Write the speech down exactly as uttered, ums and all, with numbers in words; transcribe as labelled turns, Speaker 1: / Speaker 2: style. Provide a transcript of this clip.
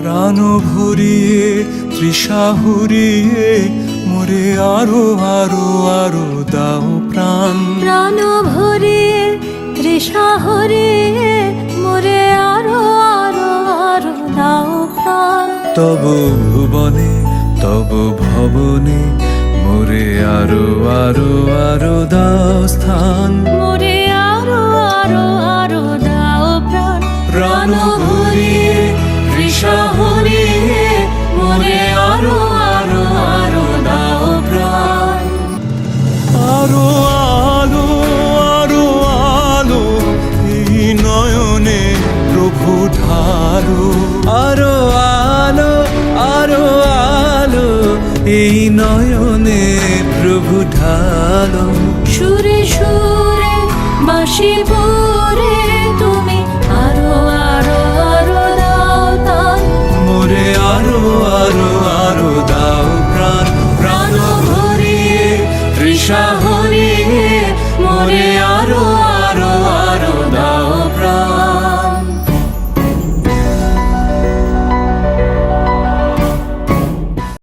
Speaker 1: প্রাণ ভরিয়ে তৃষা হুরিয়ে মোরে আরো আরো আরো দাও প্রাণ।
Speaker 2: প্রাণ ভরিয়ে তৃষা হরিয়ে মোরে আরো আরো আরো দাও প্রাণ।
Speaker 1: তব ভুবনে তব ভবনে মোরে আরো আরো আরো দাও স্থান।
Speaker 2: মোরে আরো আরো আরো দাও প্রাণ।
Speaker 1: প্রাণ ভরিয়ে তৃষা হরিয়ে মোরে আরো আরো আরো দাও প্রাণ। আরো আলো আরো আলো এই নয়নে প্রভু ঢালো। আরো আলো আরো আলো এই নয়নে প্রভু ঢালো।
Speaker 2: সুরে সুরে বাঁশি পরে